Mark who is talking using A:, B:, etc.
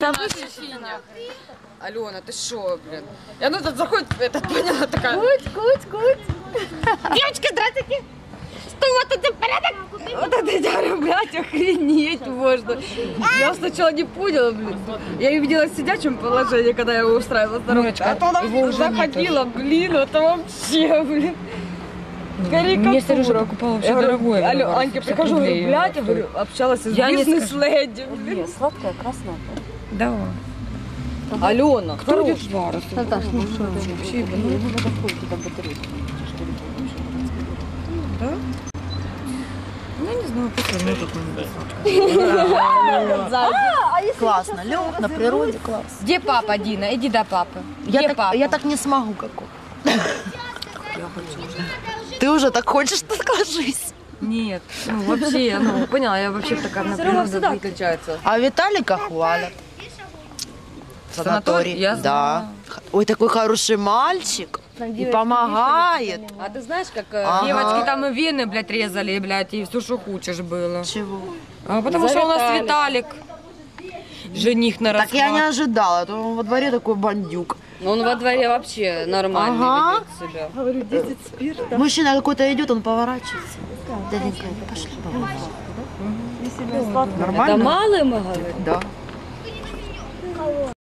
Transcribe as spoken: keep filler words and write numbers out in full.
A: Да ощущение. Алена, ты шо, блин? И она тут заходит, этот, поняла, такая...
B: Куть, куть, куть.
A: Девочка, здравствуйте. Что, вот это порядок? Вот это я говорю, блядь, охренеть можно. Я сначала не поняла, блин. Я ее видела в сидячем положении, когда я его устраивала здоровочка. А то она заходила, блин, это вообще, блин.
C: Мне Сережа покупала вообще дорогое.
A: Алло, Аньке прихожу, говорю, блядь, я говорю, общалась с бизнес-леди.
B: Нет, сладкая, красная.
C: Да.
A: Алена,
C: Кто идет в Варус?
B: Наташ, ну что это?
C: Вообще,
B: Ну, не надо входить, там батарейки.
C: Да? Ну, я не знаю, просто мне тут
B: Классно, лёг на природе, класс.
C: Где папа, Дина? Иди до папы.
B: Я
C: Где
B: так,
C: папа?
B: я так не смогу, как он.
C: Я хочу уже.
B: Ты уже так хочешь, ты скажись.
C: Нет, ну вообще, ну, поняла, я вообще такая на природе быть.
A: отличается.
B: А Виталика хвалят.
C: Санаторий? Я
B: Да.
C: знаю.
B: Ой, такой хороший мальчик. И помогает.
A: А ты знаешь, как...
B: Ага.
C: Девочки там и вены, блядь, резали, блядь, и все, что хочешь было.
B: Чего?
C: А потому
A: За
C: что у нас
A: Виталик.
C: Виталик. Жених на
B: Так я не
C: расхват.
B: ожидала, а то он во дворе такой бандюк.
A: Ну он во дворе вообще нормально
B: Ага.
A: ведет себя.
B: Говорю, десять спирта. Мужчина какой-то идет, он поворачивается. Дяденька, пошли. Нормально?
A: Это малый, мы говорим?
B: Да.